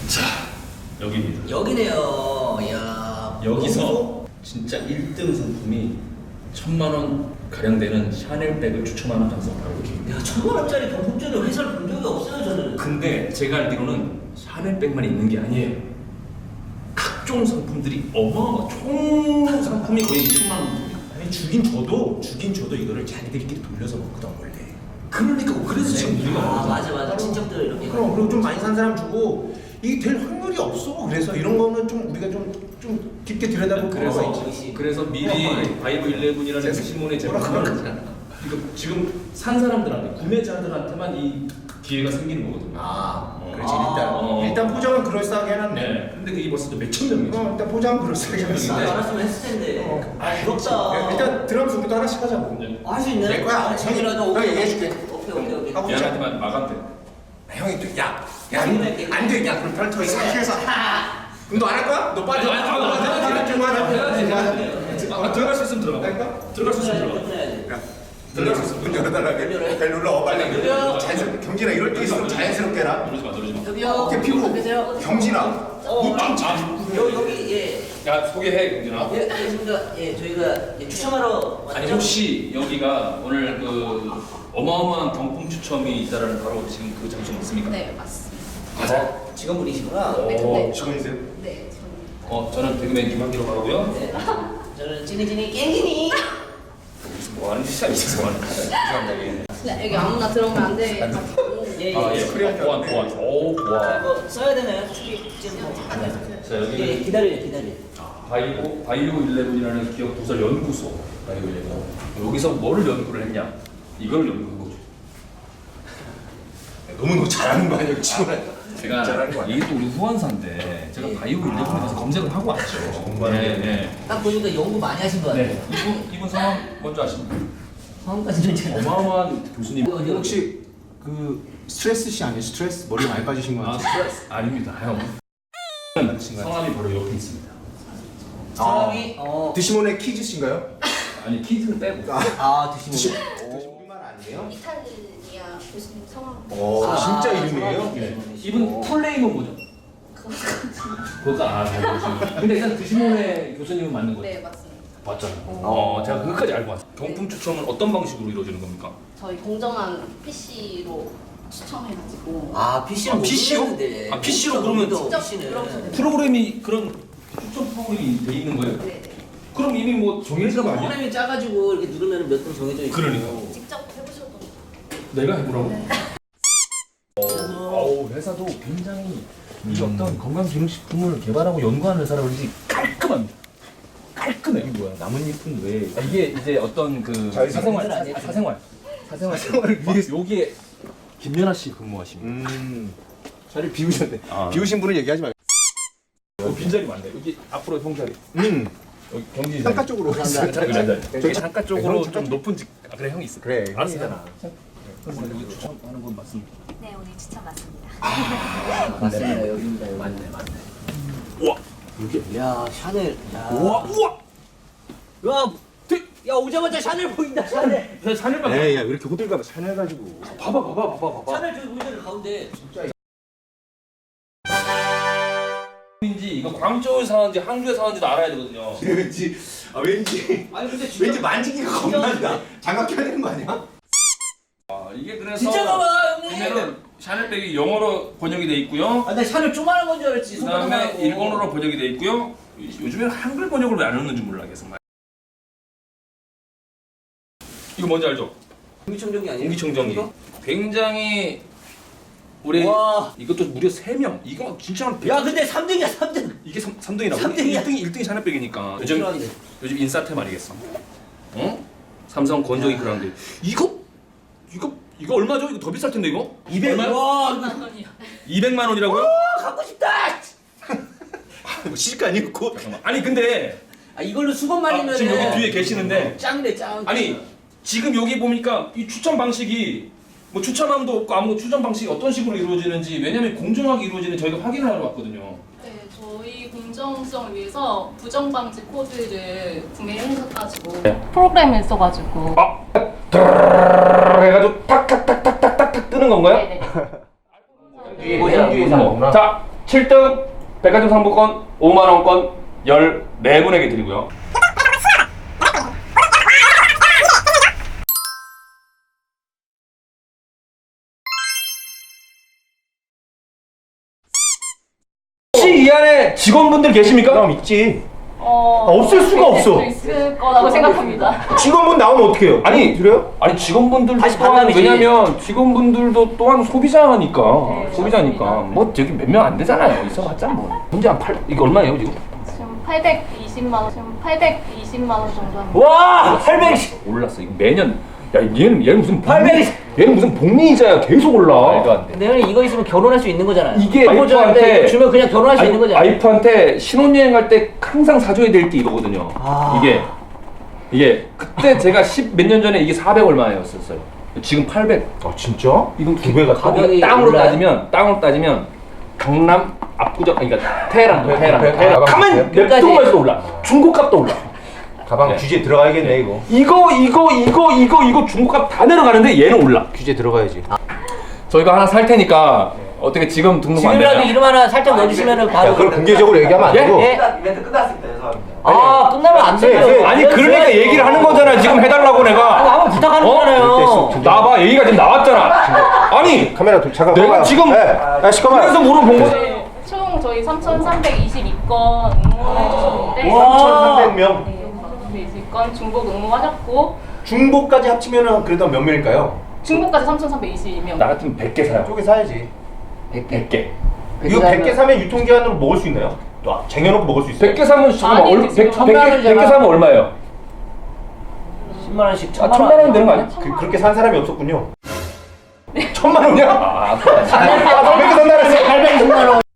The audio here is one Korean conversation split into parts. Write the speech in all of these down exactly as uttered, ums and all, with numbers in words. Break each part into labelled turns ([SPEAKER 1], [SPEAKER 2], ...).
[SPEAKER 1] 자, 여기입니다.
[SPEAKER 2] 여기네요. 이야.
[SPEAKER 1] 여기서 진짜 일 등 상품이 천만 원 가량 되는 샤넬백을 추첨하는 장소가 바로 여기입니다.
[SPEAKER 2] 야, 천만 원짜리 경품제를 회사를 본 적이 없어요, 저는.
[SPEAKER 1] 근데 제가 알기로는 샤넬백만 있는 게 아니에요. 각종 상품들이 어마어마 총 상품이 거의 천만 원.
[SPEAKER 3] 아니 주긴 줘도 주긴 줘도 이거를 자기들끼리 돌려서 먹거든 원래.
[SPEAKER 1] 그러니까 그래서 지금 우리가
[SPEAKER 2] 아,
[SPEAKER 1] 먹는
[SPEAKER 2] 맞아, 맞아. 친척들 이렇게.
[SPEAKER 3] 그럼 그리고 좀 많이 산 사람 주고 이게 될 확률이 없어. 그래서 이런 거는 좀 우리가 좀 좀 깊게 들여다볼 필요가
[SPEAKER 1] 그래서
[SPEAKER 3] 있지.
[SPEAKER 1] 그래서 미리 바이브 일레븐이라는 시몬의 제품을 이거 지금 산 사람들한테 구매자들한테만 이 기회가 생기는 거거든요.
[SPEAKER 3] 아,
[SPEAKER 1] 어.
[SPEAKER 3] 그렇지
[SPEAKER 2] 아,
[SPEAKER 3] 일단
[SPEAKER 1] 어.
[SPEAKER 3] 일단 포장은 그럴싸하게 해놨네.
[SPEAKER 1] 네. 근데 그게 벌써 몇천 명이죠.
[SPEAKER 3] 어, 일단 포장은 그럴싸하게
[SPEAKER 2] 아,
[SPEAKER 3] 해놨어.
[SPEAKER 2] 알았으면 했을 텐데.
[SPEAKER 3] 어.
[SPEAKER 2] 아, 부럽다.
[SPEAKER 3] 일단 드럼스 우리도 하나씩 하자고.
[SPEAKER 1] 네.
[SPEAKER 2] 할 수 있네.
[SPEAKER 3] 내 거야.
[SPEAKER 2] 형이라도
[SPEAKER 3] 형이
[SPEAKER 2] 오케이.
[SPEAKER 3] 얘기해줄게.
[SPEAKER 2] 오케이, 오케이, 오케이.
[SPEAKER 3] 하고
[SPEAKER 1] 미안하지만 마감 때.
[SPEAKER 3] 아, 형이 또 야, 야, 안 돼, 야, 그럼 털터 이렇게 해서 하. 그럼 너 안 할 거야? 너 빠져.
[SPEAKER 1] 아니, 아니, 아니, 아니, 아니, 아니,
[SPEAKER 3] 좀 하자.
[SPEAKER 1] 해야지. 아, 들어갈 수 있으면 들어가.
[SPEAKER 3] 할까?
[SPEAKER 1] 들어갈 수 있으면 들어가.
[SPEAKER 2] 끝내야지.
[SPEAKER 3] 야, 들어갈 수 있어. 문 열어달라.
[SPEAKER 2] 열어요.
[SPEAKER 3] 벨 눌러. 빨리.
[SPEAKER 2] 열어요.
[SPEAKER 3] 자연스럽게 경진아 이럴 때 있으면 자연스럽게 해라.
[SPEAKER 1] 누르지 마, 누르지 마.
[SPEAKER 2] 저기요.
[SPEAKER 3] 어깨 피고.
[SPEAKER 2] 계세요?
[SPEAKER 3] 경진아.
[SPEAKER 2] 어,
[SPEAKER 3] 문 좀.
[SPEAKER 1] 아,
[SPEAKER 2] 여기, 여기, 예.
[SPEAKER 1] 야, 소개해, 경진아.
[SPEAKER 2] 예, 알겠습니다. 예, 저희가 예, 추첨하러 왔죠.
[SPEAKER 1] 아니 혹시 여기가 오늘 그 어마어마한 경품 추첨이 있다라는 바로 지금 그 장소 맞습니까?
[SPEAKER 4] 네, 맞습니다.
[SPEAKER 2] 아, 직원분이시구나.
[SPEAKER 4] 네,
[SPEAKER 1] 오,
[SPEAKER 4] 네.
[SPEAKER 3] 직원이세요?
[SPEAKER 4] 네, 저는
[SPEAKER 1] 어, 저는 개그맨 김한기로 하고요.
[SPEAKER 2] 네. 저는 찌니찌니 깽기니.
[SPEAKER 1] 뭐 하는 짓이야, 이제 뭐 하는 짓이야.
[SPEAKER 4] 그냥 여기 아무나 들어오면 안 돼.
[SPEAKER 2] 예, 예.
[SPEAKER 1] 아, 예,
[SPEAKER 3] 그래야
[SPEAKER 1] 그래. 보안, 보안. 오,
[SPEAKER 2] 자,
[SPEAKER 1] 보안.
[SPEAKER 2] 이거 써야 되나요? 출입증 뭐.
[SPEAKER 1] 자,
[SPEAKER 2] 예,
[SPEAKER 1] 여기는
[SPEAKER 2] 기다려, 기다려.
[SPEAKER 1] 바이오 바이오 일레븐이라는 기업 도설 연구소. 바이오 일레븐. 여기서 뭐를 연구를 했냐? 이걸 연구한 거죠.
[SPEAKER 3] 너무 너 잘하는 거 아니야, 직원아?
[SPEAKER 1] 제가
[SPEAKER 3] 잘하는 거 아니야?
[SPEAKER 1] 이게 또 우리 후원사인데 제가 바이오 일레븐에 대해서 검색을 하고 왔죠.
[SPEAKER 3] 정말.
[SPEAKER 1] 네, 네.
[SPEAKER 2] 딱 보니까 연구 많이 하신 것 같아요.
[SPEAKER 1] 네. 이분 이분 성함 먼저 아십니까?
[SPEAKER 2] 성함까지 좀 잘.
[SPEAKER 1] 어마어마한 교수님.
[SPEAKER 2] 어디, 어디?
[SPEAKER 3] 혹시 그 스트레스 씨 아니에요? 스트레스 머리 많이 빠지신 거
[SPEAKER 1] 아,
[SPEAKER 3] 같아요.
[SPEAKER 1] 스트레스 아닙니다, 형. 성함이 바로 옆에 있습니다.
[SPEAKER 2] 사람이 어.
[SPEAKER 3] 드시몬의 키즈 씨인가요?
[SPEAKER 1] 아니 키즈는 빼고.
[SPEAKER 2] 아, 드시면.
[SPEAKER 3] 우리말 아니에요?
[SPEAKER 4] 이탈리아 교수님 성함.
[SPEAKER 3] 어,
[SPEAKER 2] 아,
[SPEAKER 3] 진짜 이름이에요?
[SPEAKER 1] 네. 이분 풀네임은 뭐죠? 그거 아, 모르시는. 근데 일단 드시몬의 교수님은 맞는 거죠?
[SPEAKER 4] 네, 맞습니다.
[SPEAKER 1] 맞잖아요. 어, 제가 그것까지 알고 왔어요. 경품 추첨은 어떤 방식으로 이루어지는 겁니까?
[SPEAKER 4] 저희 공정한 피씨로 추첨해가지고.
[SPEAKER 2] 아, 피씨는
[SPEAKER 1] 아, 피씨요? 아, 피씨로 그러면
[SPEAKER 4] 직접
[SPEAKER 2] 피씨는.
[SPEAKER 4] 들어오셔도 돼요.
[SPEAKER 1] 프로그램이 그런 추첨 프로그램이 돼 있는 거예요?
[SPEAKER 4] 네, 네.
[SPEAKER 1] 그럼 이미 뭐 정해진 거 아니야?
[SPEAKER 2] 프로그램이 짜가지고 이렇게 누르면 몇 등 정해져 있고.
[SPEAKER 1] 그러니까.
[SPEAKER 4] 직접 해보셔도.
[SPEAKER 1] 내가 해보라고?
[SPEAKER 4] 네.
[SPEAKER 1] 어우, 회사도 굉장히 이 어떤 건강기능식품을 개발하고 연구하는 회사라 그런지 깔끔합니다. 깔끔해. 이게 뭐야? 나뭇잎은 왜? 아, 이게 이제 어떤 그
[SPEAKER 3] 자기
[SPEAKER 1] 사생활,
[SPEAKER 2] 사생활
[SPEAKER 1] 사, 사생활, 사생활
[SPEAKER 3] 사생활을 위해서.
[SPEAKER 1] 여기에 김연아 씨 근무하십니다.
[SPEAKER 3] 음. 자리 비우셨네.
[SPEAKER 1] 아.
[SPEAKER 3] 비우신 분은 얘기하지 말고.
[SPEAKER 1] 어, 빈자리 많네. 여기 앞으로 형 자리.
[SPEAKER 3] 음.
[SPEAKER 1] 여기 경진이
[SPEAKER 3] 창가 쪽으로
[SPEAKER 1] 자리.
[SPEAKER 3] 있어요.
[SPEAKER 1] 여기 앉아. 저기 창가 쪽으로
[SPEAKER 3] 형
[SPEAKER 1] 좀
[SPEAKER 3] 창가
[SPEAKER 1] 높은 집. 아, 그래 형이 있어.
[SPEAKER 3] 그래,
[SPEAKER 1] 알았어. 그래서 여기 추천하는 건 맞습니다.
[SPEAKER 5] 네, 오늘 추천 맞습니다.
[SPEAKER 2] 맞습니다. 여기입니다. 여기.
[SPEAKER 1] 맞네, 맞네. 우와, 여기.
[SPEAKER 2] 야, 샤넬. 야.
[SPEAKER 1] 우와, 우와.
[SPEAKER 2] 야, 야, 오자마자 샤넬 보인다. 샤넬.
[SPEAKER 1] 나 샤넬 봐.
[SPEAKER 3] 에이, 야, 왜 이렇게 호들갑을 샤넬가지고.
[SPEAKER 1] 봐봐, 봐봐, 봐봐, 봐봐.
[SPEAKER 2] 샤넬 저기 보이잖아, 가운데.
[SPEAKER 1] 인지 이거 광저우 사는지 항저우에 사는지도 알아야 되거든요.
[SPEAKER 3] 왠지, 아, 왠지,
[SPEAKER 2] 아니, 근데 진짜.
[SPEAKER 3] 왠지 만지기가 겁난다. 장갑 껴야 되는 거 아니야?
[SPEAKER 1] 아, 이게 그래서
[SPEAKER 2] 진짜 봐봐, 형님.
[SPEAKER 1] 보면은 샤넬백이 영어로 번역이 돼 있고요.
[SPEAKER 2] 아, 나 샤넬 조만한 건 줄 알았지.
[SPEAKER 1] 그다음에
[SPEAKER 2] 손바닥만하고.
[SPEAKER 1] 일본어로 번역이 돼 있고요. 요즘에는 한글 번역을 왜 안 하는지 몰라겠어. 이거 뭔지 알죠?
[SPEAKER 2] 공기청정기 아니에요?
[SPEAKER 1] 공기청정기.
[SPEAKER 2] 이거?
[SPEAKER 1] 굉장히 우리
[SPEAKER 2] 와.
[SPEAKER 1] 이것도 무려 세 명. 이거 진짜 한 백.
[SPEAKER 2] 야, 근데 삼 등이야, 삼 등.
[SPEAKER 1] 이게 삼 등이라고.
[SPEAKER 2] 삼 등이야.
[SPEAKER 1] 일 등이 일 등이 샤넬백이니까. 요즘
[SPEAKER 2] 필요하겠네.
[SPEAKER 1] 요즘 인싸템 아니겠어? 어? 삼성 건조기 그라운드. 이거 이거 이거 얼마죠? 이거 더 비쌀 텐데 이거?
[SPEAKER 2] 이백.
[SPEAKER 1] 얼마요?
[SPEAKER 2] 와,
[SPEAKER 1] 이백만 원이라고요?
[SPEAKER 2] 아, 갖고 싶다.
[SPEAKER 3] 뭐 시집가 아니고 곧.
[SPEAKER 1] 잠깐만. 아니 근데
[SPEAKER 2] 아, 이걸로 수건 말리면
[SPEAKER 1] 아, 지금 여기 뒤에 계시는데
[SPEAKER 2] 짱이래, 짱.
[SPEAKER 1] 아니 지금 여기 보니까 이 추천 방식이 뭐 추천함도 없고 아무 추천 방식이 어떤 식으로 이루어지는지 왜냐면 공정하게 이루어지는 저희가 확인을 하러 왔거든요.
[SPEAKER 4] 네, 저희 공정성을 위해서 부정 방지 코드를 구매해가지고 프로그램을 써가지고.
[SPEAKER 1] 아, 해가지고 탁탁탁탁탁탁 뜨는 건가요?
[SPEAKER 4] 네네.
[SPEAKER 3] 뒤에
[SPEAKER 2] 보자,
[SPEAKER 3] 뒤에
[SPEAKER 1] 뭐. 자, 칠 등 백화점 상품권 오만 원권 열네 분에게 드리고요. 혹시 이 안에 직원분들 계십니까?
[SPEAKER 3] 그럼 있지.
[SPEAKER 4] 어,
[SPEAKER 3] 아, 없을 수가
[SPEAKER 4] 있을
[SPEAKER 3] 없어.
[SPEAKER 4] 수 있을 거라고 생각합니다.
[SPEAKER 3] 직원분 나오면 어떻게 해요?
[SPEAKER 1] 아니
[SPEAKER 3] 그래요?
[SPEAKER 1] 아니 직원분들도
[SPEAKER 2] 다시
[SPEAKER 1] 또한
[SPEAKER 2] 반납이지.
[SPEAKER 1] 왜냐면 직원분들도 또한 소비자니까
[SPEAKER 4] 네,
[SPEAKER 1] 소비자니까
[SPEAKER 4] 맞습니다.
[SPEAKER 1] 뭐 저기 몇 명 안 되잖아요. 있어봤자 뭐 문제 한 팔 이거 얼마예요 지금?
[SPEAKER 4] 지금 팔백이십만 원, 지금 팔백이십만 원 정도 합니다.
[SPEAKER 2] 와 팔백이십.
[SPEAKER 1] 올랐어. 이거 매년 야 얘는 얘는 무슨
[SPEAKER 2] 팔백이십.
[SPEAKER 1] 얘는 무슨 복리이자야 계속 올라. 말도 안 돼.
[SPEAKER 2] 근데 형님 이거 있으면 결혼할 수 있는 거잖아요.
[SPEAKER 1] 이게
[SPEAKER 2] 아이폰한테
[SPEAKER 1] 와이프한테
[SPEAKER 2] 주면 그냥 결혼할 수 있는 거잖아요.
[SPEAKER 1] 와이프한테 신혼여행 갈 때 항상 사줘야 될 게 이거거든요.
[SPEAKER 2] 아.
[SPEAKER 1] 이게 이게 그때 제가 십 몇 년 전에 이게 사백 얼마였었어요. 지금 팔백.
[SPEAKER 3] 아 진짜?
[SPEAKER 1] 이건
[SPEAKER 3] 두 배가
[SPEAKER 1] 가-
[SPEAKER 2] 가격이
[SPEAKER 1] 땅으로
[SPEAKER 2] 올라요?
[SPEAKER 1] 따지면 땅으로 따지면 강남 압구정 그러니까 테헤란도
[SPEAKER 3] 네,
[SPEAKER 1] 테헤란
[SPEAKER 3] 네,
[SPEAKER 1] 테헤란
[SPEAKER 3] 네.
[SPEAKER 1] 가만
[SPEAKER 3] 네.
[SPEAKER 1] 냅두고에서도 올라. 중국 값도 올라.
[SPEAKER 3] 가방
[SPEAKER 1] 네.
[SPEAKER 3] 규제 들어가야겠네 이거.
[SPEAKER 1] 이거 이거 이거 이거 이거 중국 값 다 내려가는데 얘는 올라.
[SPEAKER 3] 규제 들어가야지.
[SPEAKER 1] 저희가 하나 살 테니까 어떻게 지금 등록 안
[SPEAKER 2] 지금이라도
[SPEAKER 1] 되나요?
[SPEAKER 2] 이름 하나 살짝 넣어주시면은 바로.
[SPEAKER 3] 야 그걸 공개적으로 얘기하면 안
[SPEAKER 1] 예?
[SPEAKER 3] 되고.
[SPEAKER 2] 예?
[SPEAKER 5] 이벤트 끝났습니다. 죄송합니다.
[SPEAKER 2] 아 끝나면 안
[SPEAKER 3] 네,
[SPEAKER 2] 돼요.
[SPEAKER 3] 네.
[SPEAKER 1] 아니 그러니까 얘기를 하는 거잖아. 지금 해달라고
[SPEAKER 2] 아니,
[SPEAKER 1] 내가.
[SPEAKER 2] 한번 부탁하는
[SPEAKER 1] 어?
[SPEAKER 2] 거잖아요.
[SPEAKER 1] 나봐 얘기가 지금 나왔잖아. 아니
[SPEAKER 3] 카메라 좀 잠깐.
[SPEAKER 1] 내가
[SPEAKER 3] 봐봐.
[SPEAKER 1] 지금
[SPEAKER 3] 네. 야 잠깐만.
[SPEAKER 1] 그래서 물어본 거.
[SPEAKER 4] 네, 총 저희 삼천삼백이십이 건 응모해 주셨는데
[SPEAKER 2] 와.
[SPEAKER 3] 삼천삼백 명.
[SPEAKER 4] 네, 삼천삼백이십 건 중복 응모하셨고
[SPEAKER 3] 중복까지 합치면은 그래도 몇 명일까요?
[SPEAKER 4] 중복까지 삼천삼백이십 명.
[SPEAKER 1] 나 같으면 백 개 사요.
[SPEAKER 3] 쪼개 사야지.
[SPEAKER 1] 백 개.
[SPEAKER 3] 이거 백 개 사면 유통기한으로 먹을 수 있나요? 또 쟁여놓고 먹을 수 있어요?
[SPEAKER 1] 백 개 사면 잠깐만
[SPEAKER 4] 아니,
[SPEAKER 1] 얼,
[SPEAKER 4] 지금
[SPEAKER 1] 백,
[SPEAKER 2] 천만
[SPEAKER 1] 백 개,
[SPEAKER 2] 원이잖아.
[SPEAKER 1] 백 개 사면 얼마예요?
[SPEAKER 2] 십만 원씩
[SPEAKER 1] 아,
[SPEAKER 2] 천만
[SPEAKER 1] 천만 원 되는 거 아니야?
[SPEAKER 3] 그, 그렇게 산 사람이 없었군요. 천만 원이야?
[SPEAKER 1] 아,
[SPEAKER 3] 아, 백 개 산다 그랬어.
[SPEAKER 2] 팔백이십만 원.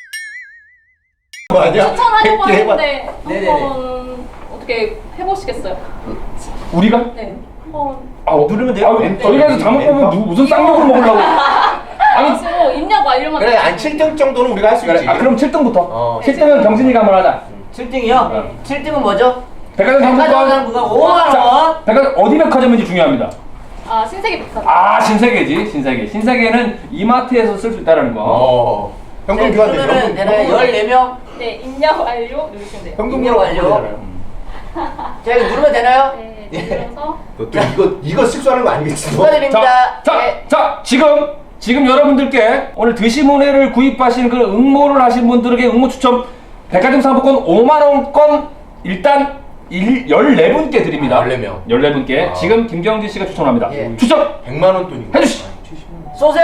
[SPEAKER 3] 뭐 아니야?
[SPEAKER 4] 추천하려고
[SPEAKER 3] 백 개 해봐.
[SPEAKER 4] 하는데
[SPEAKER 2] 네네네.
[SPEAKER 4] 한번 어떻게 해보시겠어요?
[SPEAKER 1] 우리가?
[SPEAKER 4] 네, 한번
[SPEAKER 1] 아,
[SPEAKER 3] 누르면 돼요?
[SPEAKER 1] 아,
[SPEAKER 3] 엔-
[SPEAKER 1] 저희가 해서 잘못 보면 누- 무슨 쌍욕을 먹으려고. 아니,
[SPEAKER 4] 가지고 입력 완료만.
[SPEAKER 3] 그래, 한 칠 등 정도는 우리가 할 수 있지.
[SPEAKER 1] 아, 그럼 칠 등부터.
[SPEAKER 3] 어.
[SPEAKER 1] 칠 등은 경진이가 한번 하자.
[SPEAKER 2] 칠 등이요? 칠 등은 뭐죠?
[SPEAKER 1] 백화점
[SPEAKER 2] 백화점
[SPEAKER 1] 상품권.
[SPEAKER 2] 상품권 오만 원.
[SPEAKER 1] 자, 백화점 어디 백화점인지 중요합니다.
[SPEAKER 4] 아 신세계 백화점.
[SPEAKER 1] 아, 신세계지, 신세계. 신세계는 이마트에서 쓸 수 있다는 거.
[SPEAKER 3] 어. 현금 교환 되죠?
[SPEAKER 2] 그러면은 되나요? 열네 명?
[SPEAKER 4] 네, 입력 완료 누르시면 돼요.
[SPEAKER 3] 현금
[SPEAKER 2] 입력
[SPEAKER 3] 교환
[SPEAKER 2] 완료.
[SPEAKER 3] 되잖아요.
[SPEAKER 2] 제가 이거 누르면 되나요?
[SPEAKER 4] 네, 눌러서
[SPEAKER 3] 너또 이거 이거 실수하는 거 아니겠지? 너?
[SPEAKER 2] 축하드립니다.
[SPEAKER 1] 자, 자,
[SPEAKER 2] 예.
[SPEAKER 1] 자, 지금 지금 여러분들께 오늘 드시문회를 구입하신 그 응모를 하신 분들에게 응모 추첨 백화점 상품권 오만 원권 일단 일, 열네 분께 드립니다.
[SPEAKER 3] 열네 명.
[SPEAKER 1] 열네 분께
[SPEAKER 3] 아.
[SPEAKER 1] 지금 김경진 씨가 추천합니다.
[SPEAKER 2] 예.
[SPEAKER 1] 추첨
[SPEAKER 3] 백만 원 돈이고.
[SPEAKER 1] 해주시죠.
[SPEAKER 2] 쏘세요.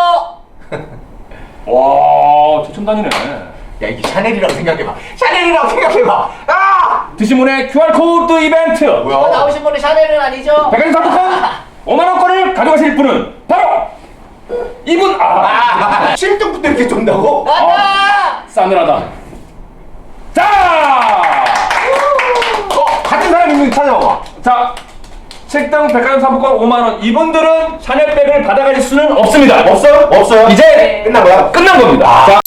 [SPEAKER 1] 와, 최첨단이네.
[SPEAKER 3] 야 이게 샤넬이라고 생각해봐. 샤넬이라고 생각해봐. 아!
[SPEAKER 1] 드시문회 큐알 코드 이벤트.
[SPEAKER 2] 이거
[SPEAKER 3] 뭐야?
[SPEAKER 2] 나오신 분은 샤넬은 아니죠?
[SPEAKER 1] 백화점 상품권 오만 원권을 가져가실 분은 바로 이분. 아,
[SPEAKER 3] 칠 등부터 이렇게 준다고?
[SPEAKER 2] 맞다.
[SPEAKER 1] 싸늘하다. 자, 어, 같은 사람 있는지 찾아봐봐. 자, 칠 등 백화점 상품권 오만 원. 이분들은 샤넬백을 받아가실 수는 없습니다.
[SPEAKER 3] 없어요? 없어요?
[SPEAKER 1] 이제
[SPEAKER 3] 끝난 거야?
[SPEAKER 1] 끝난 겁니다. 자,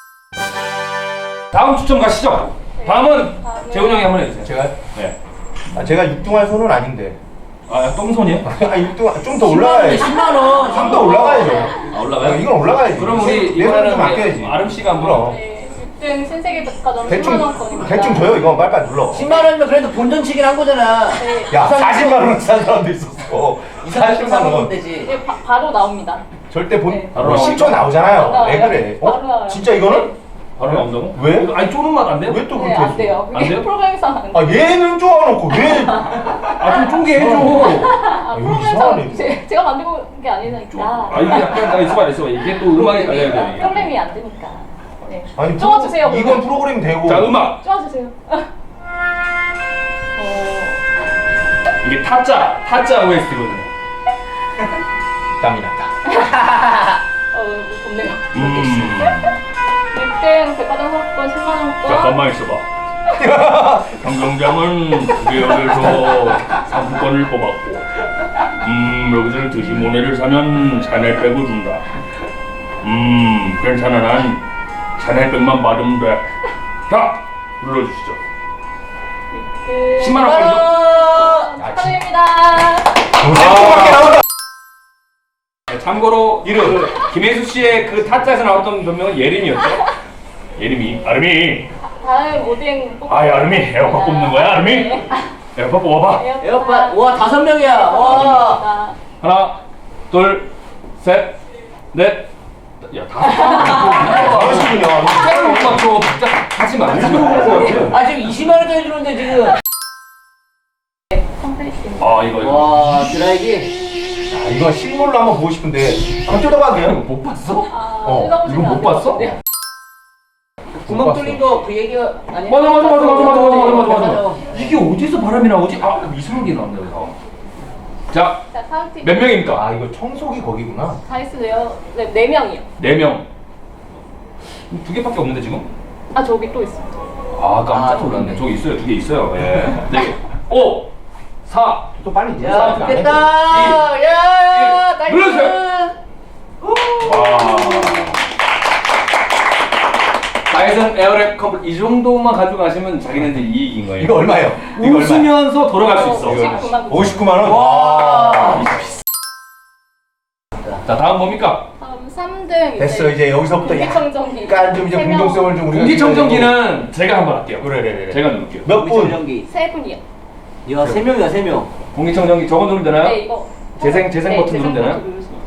[SPEAKER 1] 다음 추첨 가시죠. 다음은
[SPEAKER 4] 다음은-
[SPEAKER 1] 재훈 형이 한번 해주세요.
[SPEAKER 3] 제가
[SPEAKER 1] 네.
[SPEAKER 3] 아 제가 육 등 할 손은 아닌데.
[SPEAKER 1] 아, 똥손이에요?
[SPEAKER 3] 아 육 등 좀 더 올라가야지.
[SPEAKER 2] 십만 원.
[SPEAKER 3] 좀 더 올라가야죠.
[SPEAKER 1] 아, 올라가요?
[SPEAKER 3] 아, 이건 올라가야지.
[SPEAKER 1] 그럼 우리
[SPEAKER 3] 내 손은 좀
[SPEAKER 1] 이번에는
[SPEAKER 3] 아껴야지.
[SPEAKER 1] 우리 아름 씨가 한번.
[SPEAKER 3] 그럼.
[SPEAKER 4] 네, 일 등 신세계 백화점
[SPEAKER 3] 대충
[SPEAKER 4] 십만 원권입니다.
[SPEAKER 3] 대충 줘요. 이거 빨리빨리 눌러.
[SPEAKER 2] 십만 원이면 그래도 본전치긴 한 거잖아.
[SPEAKER 4] 네,
[SPEAKER 3] 야 사십만 원 산 사람도 있었어. 사십만 원.
[SPEAKER 2] 되지.
[SPEAKER 4] 이게 바, 바로 나옵니다.
[SPEAKER 3] 절대 본
[SPEAKER 4] 네.
[SPEAKER 3] 뭐 십 초 나오잖아요.
[SPEAKER 4] 나와요.
[SPEAKER 3] 왜 그래?
[SPEAKER 4] 바로
[SPEAKER 3] 어?
[SPEAKER 4] 나와요.
[SPEAKER 3] 진짜 이거는?
[SPEAKER 1] 바로 나온다고?
[SPEAKER 3] 왜?
[SPEAKER 1] 아니, 쪼는 맛 안 돼요?
[SPEAKER 3] 왜 또
[SPEAKER 4] 네,
[SPEAKER 3] 그렇게
[SPEAKER 4] 안
[SPEAKER 3] 했어?
[SPEAKER 4] 돼요.
[SPEAKER 1] 안
[SPEAKER 4] 그게
[SPEAKER 1] 돼요?
[SPEAKER 4] 프로그램상 안 돼요.
[SPEAKER 3] 아 얘는 좋아놓고 왜?
[SPEAKER 1] 아, 좀 쪼개 해줘.
[SPEAKER 4] 아,
[SPEAKER 3] 이거 이상하네.
[SPEAKER 4] 프로그램상 제- 제가 만들고 게 아니니까.
[SPEAKER 1] 아, 이게 약간, 나 있어봐, 있어봐. 이게 또 음악이 달려야 돼.
[SPEAKER 4] 프로그램이 안 되니까. 네.
[SPEAKER 3] 아니
[SPEAKER 4] 쪼아주세요.
[SPEAKER 3] 프로- 이건 프로그램 되고.
[SPEAKER 1] 자, 음악.
[SPEAKER 4] 쪼아주세요. 어,
[SPEAKER 1] 이게 타짜, 타짜 오에스티거든요.
[SPEAKER 3] 땀이 났다.
[SPEAKER 4] 어, 덥네요.
[SPEAKER 1] 음.
[SPEAKER 4] 일 등 백화점 상품권 십만 원권.
[SPEAKER 1] 잠깐만 있어봐. 강경장은 구개역에서 상품권을 뽑았고, 음, 여기서 드시모네를 사면 샤넬백을 준다. 음, 괜찮아. 난 샤넬백만 받으면 돼. 자, 눌러주시죠.
[SPEAKER 4] 그...
[SPEAKER 1] 십만
[SPEAKER 2] 십만
[SPEAKER 1] 원.
[SPEAKER 2] 원.
[SPEAKER 4] 축하드립니다.
[SPEAKER 3] 샘플밖에 나온다.
[SPEAKER 1] 참고로 이름 김혜수 씨의 그 타짜에서 나왔던 별명은 예림이었죠. 이름이 아름이.
[SPEAKER 4] 다음 오뎅 뽑.
[SPEAKER 1] 아, 야, 아름이 에어팟 뽑는 거야, 아름이?
[SPEAKER 4] 네.
[SPEAKER 1] 에어팟 뽑아봐.
[SPEAKER 2] 에어팟 와 다섯 명이야. 와.
[SPEAKER 1] 하나, 둘, 셋, 넷. 야, 다섯.
[SPEAKER 3] 멋있군요.
[SPEAKER 1] 숫자를 못 맞춰. 진짜 하지 마.
[SPEAKER 2] 아 지금 이십만 원짜리 주는데 지금.
[SPEAKER 1] 아, 이거 이거.
[SPEAKER 2] 와 드라이기.
[SPEAKER 3] 아, 이거 실물로 한번 보고 싶은데 한번 뜯어봐도
[SPEAKER 1] 이거
[SPEAKER 3] 돼요?
[SPEAKER 1] 못 봤어?
[SPEAKER 4] 아,
[SPEAKER 3] 어,
[SPEAKER 4] 뜯어보시면
[SPEAKER 1] 이거 못
[SPEAKER 4] 안 돼요.
[SPEAKER 1] 봤어?
[SPEAKER 4] 네.
[SPEAKER 2] 구멍 뚫린 거 그 얘기가 아니야?
[SPEAKER 1] 맞아, 맞아, 맞아, 맞아, 맞아, 맞아, 맞아, 맞아, 맞아. 이게 어디서 바람이 나오지? 아, 이상한 게 나온다 여기서. 자,
[SPEAKER 4] 자, 다음 팀.
[SPEAKER 1] 몇 명입니까?
[SPEAKER 3] 아 이거 청소기 거기구나.
[SPEAKER 4] 다이스 네요. 네, 네 명이요.
[SPEAKER 1] 네 명. 두 개밖에 없는데 지금?
[SPEAKER 4] 아, 저기 또 있어.
[SPEAKER 1] 아, 깜짝
[SPEAKER 2] 아,
[SPEAKER 1] 놀랐네.
[SPEAKER 2] 저기
[SPEAKER 1] 저기 있어요. 두 개 있어요. 예. 네 개. 오, 사.
[SPEAKER 3] 또 빨리 이제
[SPEAKER 2] 야
[SPEAKER 3] 안 해.
[SPEAKER 2] 좋겠다. 야 나이스.
[SPEAKER 1] 눌러주세요. 와. 다이슨 에어랩 컴플 이 정도만 가져가시면 자기네들 이익인 거예요.
[SPEAKER 3] 이거 얼마예요? 이거 얼마?
[SPEAKER 1] 웃으면서 돌아갈 수 있어.
[SPEAKER 4] 오십구만 원.
[SPEAKER 3] 오십구만 원.
[SPEAKER 2] 와.
[SPEAKER 1] 자, 다음 뭡니까?
[SPEAKER 4] 다음 삼 등.
[SPEAKER 3] 됐어 이제 여기서부터
[SPEAKER 4] 공기청정기.
[SPEAKER 3] 약간 좀 이제
[SPEAKER 4] 세 명.
[SPEAKER 3] 공정성을 좀 우리가
[SPEAKER 1] 공기청정기는 제가 한번 할게요.
[SPEAKER 3] 그래 그래 그래.
[SPEAKER 1] 제가 누를게요.
[SPEAKER 3] 몇 분?
[SPEAKER 2] 전기.
[SPEAKER 4] 세 분이요.
[SPEAKER 2] 야세 명이야 세 명.
[SPEAKER 1] 공기청정기 저거 누르면 되나요?
[SPEAKER 4] 네, 이거.
[SPEAKER 1] 재생- 재생
[SPEAKER 4] 네,
[SPEAKER 1] 버튼
[SPEAKER 4] 재생
[SPEAKER 1] 누르면 되나요?
[SPEAKER 4] 버튼 누르시면.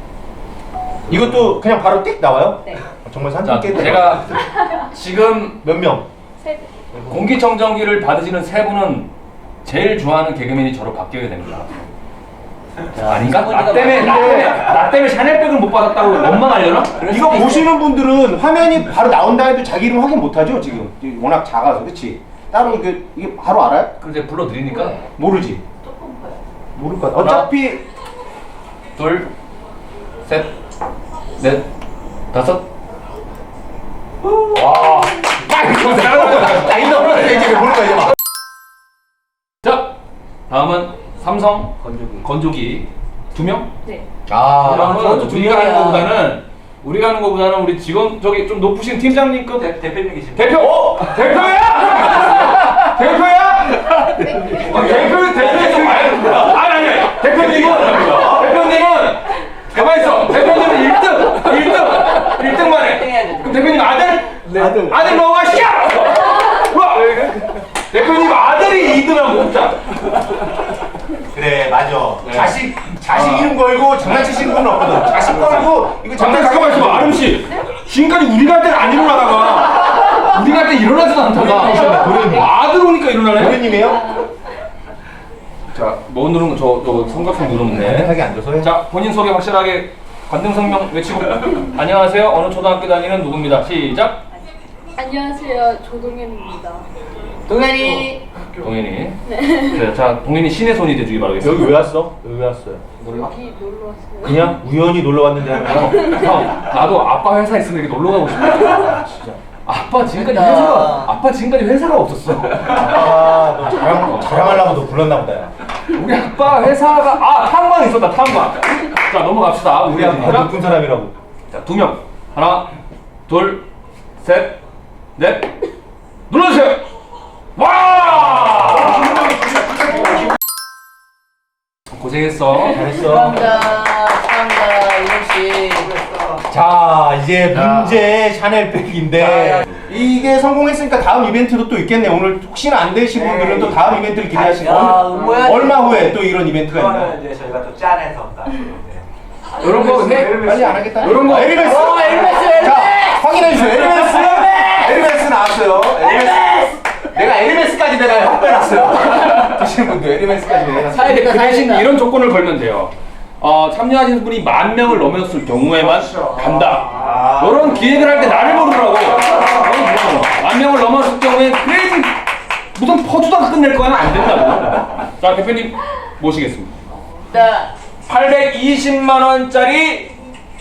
[SPEAKER 3] 이것도 그냥 바로 띡 나와요?
[SPEAKER 4] 네.
[SPEAKER 3] 정말
[SPEAKER 1] 자,
[SPEAKER 3] 산뜻 깨.
[SPEAKER 1] 제가 지금
[SPEAKER 3] 몇 명?
[SPEAKER 4] 세 분.
[SPEAKER 1] 공기청정기를 받으시는 세 분은 제일 좋아하는 개그맨이 저로 바뀌어야 됩니다. 아닌가? 나 때문에 나 때문에 나 때문에 샤넬백을 못 받았다고 원망하려나?
[SPEAKER 3] 이거 보시는 분들은 화면이 바로 나온다 해도 자기 이름 확인 못하죠 지금 워낙 작아서 그렇지? 따로 이게 이게 바로 알아요?
[SPEAKER 1] 그럼 제가 불러드리니까
[SPEAKER 3] 모르지?
[SPEAKER 4] 조금 봐요.
[SPEAKER 3] 모를 것 같아. 어차피
[SPEAKER 1] 둘, 셋, 넷, 다섯. 와.
[SPEAKER 3] 나 이거 모르겠어 이제 모를 거야 이제 막.
[SPEAKER 1] 자, 다음은 삼성
[SPEAKER 2] 건조기.
[SPEAKER 1] 건조기 두 명.
[SPEAKER 4] 네.
[SPEAKER 3] 아,
[SPEAKER 1] 그러면
[SPEAKER 2] 두
[SPEAKER 1] 우리가 하는
[SPEAKER 2] 명이야.
[SPEAKER 1] 거보다는 우리가 하는 거보다는 우리 직원 저기 좀 높으신 팀장님급
[SPEAKER 2] 대표님이십니다.
[SPEAKER 1] 대표. 어? 대표야? 대표야? 어, 대표 대표님 아니 아니 대표님은 대표님은 가만 있어. 대표님은 일 등 일 등 일 등만 해. 그럼 대표님 아들?
[SPEAKER 3] 네. 아들.
[SPEAKER 1] 아들 너가 시야. 와. 대표님 아들이 이 등하고 없자.
[SPEAKER 3] 그래 맞아.
[SPEAKER 1] 네.
[SPEAKER 3] 자식 자식
[SPEAKER 1] 아.
[SPEAKER 3] 이름 걸고 장난치시는 분은 없거든. 자식 걸고 이거
[SPEAKER 1] 잠깐
[SPEAKER 3] 장난
[SPEAKER 1] 잠깐만 있어봐 아름 씨. 지금까지 우리 갈 때는 안 일어나다가 우리 갈 때 일어나지도 않다가
[SPEAKER 3] 도련님.
[SPEAKER 1] 아들 오니까 일어나네.
[SPEAKER 3] 도련님이에요?
[SPEAKER 1] 자, 뭐 누르면 저, 저 삼각형 누르면 돼.
[SPEAKER 3] 편하게 앉아서 해.
[SPEAKER 1] 자, 본인 소개 확실하게 관등 성명 외치고 안녕하세요. 어느 초등학교 다니는 누구입니다. 시작.
[SPEAKER 4] 안녕하세요. 조동현입니다.
[SPEAKER 2] 동현이.
[SPEAKER 1] 동현이. 네. 자, 동현이 신의 손이 돼주기 바라겠습니다.
[SPEAKER 3] 여기 왜 왔어? 여기 왜 왔어요?
[SPEAKER 4] 여기 놀러 왔어요.
[SPEAKER 3] 그냥 우연히 놀러 왔는데 하면
[SPEAKER 1] 형, 나도 아빠 회사 있으면 이렇게 놀러 가고 싶어. 진짜. 아빠 지금까지
[SPEAKER 2] 그러니까.
[SPEAKER 1] 회사가 아빠 지금까지 회사가 없었어.
[SPEAKER 3] 아, 너 자랑 자랑하려고 너 불렀나 보다. 야.
[SPEAKER 1] 우리 아빠 회사가 아 탐방 있었다 탐방. 자 넘어갑시다. 우리
[SPEAKER 3] 우리 아빠
[SPEAKER 1] 아빠
[SPEAKER 3] 높은 사람이라고.
[SPEAKER 1] 자 두 명. 하나, 둘, 셋, 넷. 눌러주세요. 와! 고생했어.
[SPEAKER 3] 잘했어.
[SPEAKER 2] 축하합니다. 축하합니다 이현 씨.
[SPEAKER 3] 자, 이제 문제 샤넬백인데 이게 성공했으니까 다음 이벤트도 또 있겠네. 오늘 혹시나 안 되신 분들은 또 다음 이벤트를 기대하시고
[SPEAKER 2] 야, 응모해야
[SPEAKER 3] 얼마 후에 또 이런 이벤트가 있나?
[SPEAKER 5] 그거는 이제 저희가 또 짠해서 딱
[SPEAKER 1] 이런 거 해.
[SPEAKER 3] 빨리 안 하겠다.
[SPEAKER 1] 이런 거.
[SPEAKER 3] 에르메스.
[SPEAKER 2] 어, 에르메스, 에르메스!
[SPEAKER 3] 자, 확인해 주세요. 에르메스. 에르메스 나왔어요. 에르메스. 내가 에르메스까지 내가 협배놨어요. 드시는 분들 에르메스까지 내가
[SPEAKER 2] 사야
[SPEAKER 1] 근데
[SPEAKER 2] 된다,
[SPEAKER 1] 그
[SPEAKER 2] 사야
[SPEAKER 1] 대신
[SPEAKER 2] 된다.
[SPEAKER 1] 이런 조건을 걸면 돼요. 어, 참여하시는 분이 만 명을 넘었을 경우에만 간다. 이런 기획을 할 때 나를 부르라고. 만 명을 넘었을 경우에 그래야지 무슨 퍼주다가 끝낼 거야 안 된다고. 자 대표님 모시겠습니다.
[SPEAKER 2] 자,
[SPEAKER 1] 팔백이십만 원짜리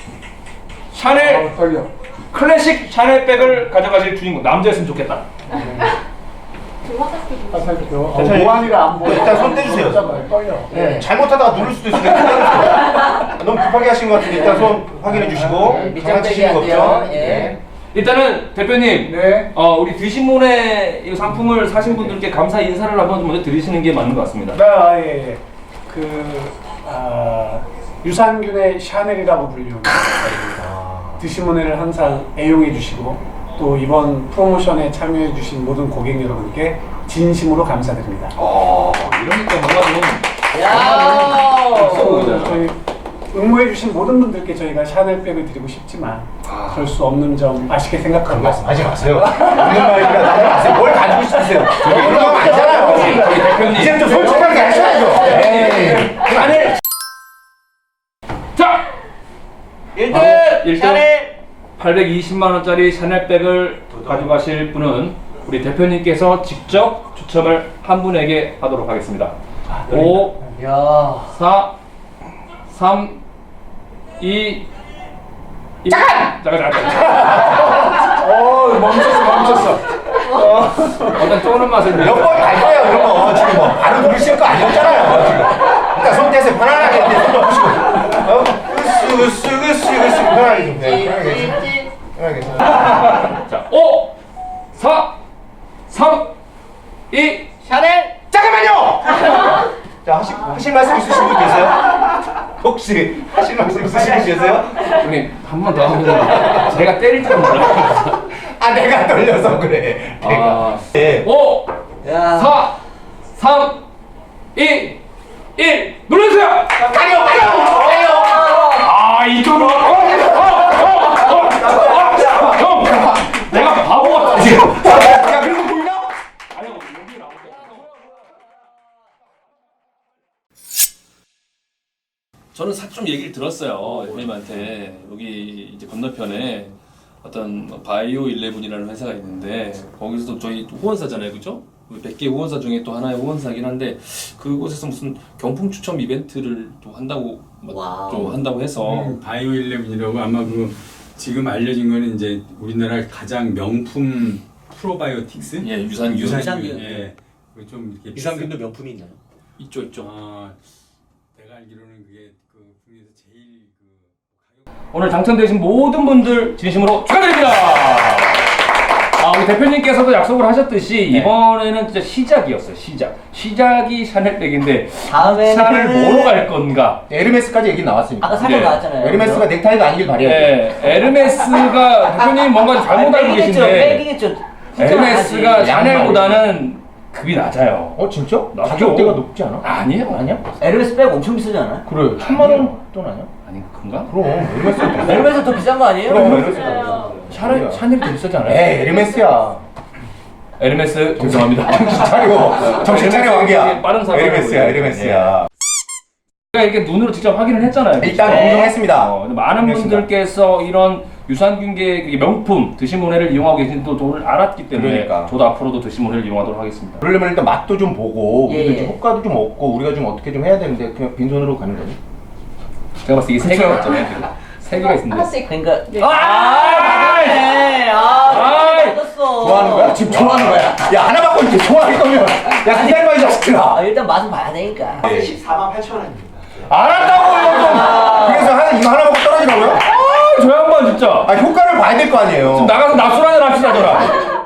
[SPEAKER 1] 샤넬 클래식 샤넬백을 가져가실 주인공 남자였으면 좋겠다.
[SPEAKER 4] 지금 화장실 좀.
[SPEAKER 3] 보안이가 안 보여. 일단 손 떼주세요.
[SPEAKER 2] 네.
[SPEAKER 3] 잘못하다가 누를 수도 있으니까 너무 급하게 하신 것 같은데 일단 손 확인해 주시고
[SPEAKER 2] 밑장빼기
[SPEAKER 3] 장난치시는 거
[SPEAKER 2] 안 돼요.
[SPEAKER 3] 없죠?
[SPEAKER 2] 예.
[SPEAKER 1] 일단은 대표님,
[SPEAKER 6] 네.
[SPEAKER 1] 어, 우리 드시문의 이 상품을 사신 분들께 감사 인사를 한번 먼저 드리시는 게 맞는 것 같습니다.
[SPEAKER 6] 네, 아, 예, 예. 그 아, 유산균의 샤넬이라고 불리는 드시모네를 항상 애용해 주시고 또 이번 프로모션에 참여해 주신 모든 고객 여러분께 진심으로 감사드립니다.
[SPEAKER 1] 어, 이러니까 뭔가 좀
[SPEAKER 2] 야.
[SPEAKER 6] 또 저희 응모해 주신 모든 분들께 저희가 샤넬백을 드리고 싶지만 그럴 수 없는 점 아쉽게
[SPEAKER 3] 그런
[SPEAKER 6] 생각합니다.
[SPEAKER 3] 말씀 하지 마세요. 없는 말이니까 하지 마세요. 뭘 가지고 싶으세요? 그런 거 많잖아요.
[SPEAKER 1] 저희 대표님.
[SPEAKER 3] 이제 좀 솔직하게 하셔야죠. 에이. 샤넬.
[SPEAKER 1] 자,
[SPEAKER 2] 일
[SPEAKER 1] 바로
[SPEAKER 2] 등
[SPEAKER 1] 일 등.
[SPEAKER 2] 샤넬.
[SPEAKER 1] 팔백이십만 원짜리 샤넬백을 가져가실 분은 우리 대표님께서 직접 추첨을 한 분에게 하도록 하겠습니다. 오,
[SPEAKER 2] 야.
[SPEAKER 1] 사, 삼, 이, 일. 잠깐! 잠깐, 잠깐.
[SPEAKER 3] 어, 멈췄어, 멈췄어.
[SPEAKER 1] 어떤 쪼는 맛은
[SPEAKER 3] 몇 번 갈 거예요, 그런 거. 지금 뭐, 바로 누르실 거 아니었잖아요. 지금. 일단 손 떼세요. 편안하게. 이제 손 떼시고. 어? 으쓱, 으쓱, 으쓱, 으쓱. 편하게 좀. 네, 편하게. 좀. 편하게. 좀.
[SPEAKER 1] 자, 오, 사, 삼, 이.
[SPEAKER 2] 샤넬.
[SPEAKER 3] 잠깐만요! 자, 하실, 하실 말씀 있으신 분 계세요? 혹시 하실 말씀 있으신 분 계세요?
[SPEAKER 1] 형님, 한 번 더 하면 제가 때릴 줄 몰라요.
[SPEAKER 3] 아, 내가 떨려서 그래. 내가.
[SPEAKER 1] 아,
[SPEAKER 3] 네.
[SPEAKER 1] 오,
[SPEAKER 2] 야.
[SPEAKER 1] 사, 삼, 이, 일. 눌러주세요!
[SPEAKER 3] 가려, 가려! 가려!
[SPEAKER 1] 아, 이쪽으로. 어, 어, 어, 어, 어, 형, 내가 바보 같아, 지금.
[SPEAKER 3] 야, 그리고 보이나?
[SPEAKER 1] 아니, 여기 나오세요. 저는 사실 좀 얘기를 들었어요, 대표님한테. 여기 이제 건너편에 어떤 바이오 일레븐이라는 회사가 있는데 거기서도 저희 후원사잖아요, 그죠? 백 개 후원사 중에 또 하나의 후원사긴 한데 그곳에서 무슨 경품 추첨 이벤트를 또 한다고
[SPEAKER 2] 와우.
[SPEAKER 1] 좀 한다고 해서
[SPEAKER 7] 음, 바이오 일레븐이라고 아마 그 지금 알려진 거는 이제 우리나라 가장 명품 프로바이오틱스
[SPEAKER 1] 예, 유산균.
[SPEAKER 2] 유산균.
[SPEAKER 7] 예. 그좀 이렇게
[SPEAKER 2] 유산균도 명품이 있나요?
[SPEAKER 1] 있죠, 있죠.
[SPEAKER 7] 어, 내가 알기로는 그게 그 국내에서 제일 그 가격
[SPEAKER 1] 오늘 당첨되신 모든 분들 진심으로 축하드립니다. 아, 우리 대표님께서도 약속을 하셨듯이
[SPEAKER 3] 네.
[SPEAKER 1] 이번에는 진짜 시작이었어요. 시작. 시작이 샤넬백인데
[SPEAKER 2] 다음에는
[SPEAKER 1] 샤넬 뭐로 갈 건가?
[SPEAKER 3] 에르메스까지 얘기 나왔으니까.
[SPEAKER 2] 아까 살짝
[SPEAKER 1] 네.
[SPEAKER 2] 나왔잖아요.
[SPEAKER 3] 에르메스가 넥타이가 아니길 바래요.
[SPEAKER 1] 네, 에르메스가 대표님 뭔가 잘못 알고 계신데
[SPEAKER 2] 팩이겠죠.
[SPEAKER 1] 에르메스가 샤넬보다는 급이 낮아요.
[SPEAKER 3] 어, 진짜?
[SPEAKER 1] 낮죠.
[SPEAKER 3] 가격대가 높지 않아?
[SPEAKER 1] 아니에요.
[SPEAKER 3] 아니야?
[SPEAKER 2] 에르메스 백 엄청 비싸지 않아요?
[SPEAKER 3] 그래. 천만 원 돈 아니야?
[SPEAKER 1] 아니 그런가?
[SPEAKER 3] 그럼 에르메스가 비싸.
[SPEAKER 2] 에르메스 더 비싼 거 아니에요?
[SPEAKER 3] 그럼
[SPEAKER 4] 맞아요.
[SPEAKER 3] 에르메스가
[SPEAKER 1] 샤넬 샤넬이 더 비싸지 않아요?
[SPEAKER 3] 에이, 에르메스야.
[SPEAKER 1] 에르메스 죄송합니다.
[SPEAKER 3] 정신 차리고. 정신 차려, 왕기야.
[SPEAKER 1] 빠른 사고.
[SPEAKER 3] 에르메스야, 에르메스야.
[SPEAKER 1] 제가 이렇게 눈으로 직접 확인을 했잖아요.
[SPEAKER 3] 일단
[SPEAKER 2] 네.
[SPEAKER 3] 공정했습니다.
[SPEAKER 1] 어, 근데 많은
[SPEAKER 3] 공정했습니다.
[SPEAKER 1] 분들께서 이런 유산균계 그게 명품 드시모네를 이용하고 계신 또 오늘 알았기 때문에
[SPEAKER 3] 그러니까.
[SPEAKER 1] 저도 앞으로도 드시모네를 이용하도록 하겠습니다.
[SPEAKER 3] 그러려면 일단 맛도 좀 보고
[SPEAKER 2] 예,
[SPEAKER 3] 우리도
[SPEAKER 2] 예.
[SPEAKER 3] 좀 효과도 좀 얻고 우리가 좀 어떻게 좀 해야 되는데 그냥 빈손으로 가는 거지.
[SPEAKER 1] 제가 봤을 때 이게 세 개가 있잖아요. 지금. 세 개가 있는데.
[SPEAKER 4] 하나씩.
[SPEAKER 2] 그러니까
[SPEAKER 4] 네.
[SPEAKER 2] 아, 맞네. 아,
[SPEAKER 1] 아이.
[SPEAKER 2] 맞았어.
[SPEAKER 3] 좋아하는 거야? 지금 좋아하는 거야. 야, 하나 받고 이렇게 좋아할 거면 야, 기다려봐 이 자식들아.
[SPEAKER 2] 아, 일단 맛은 봐야 되니까.
[SPEAKER 3] 예.
[SPEAKER 5] 십사만 팔천 원입니다.
[SPEAKER 3] 알았다고요 좀. 그래서 하나 이거 하나 먹고 떨어지라고요?
[SPEAKER 1] 아, 저 양반 진짜.
[SPEAKER 3] 아, 효과를 봐야 될 거 아니에요.
[SPEAKER 1] 나가서 납술 한잔 합시다, 저랑.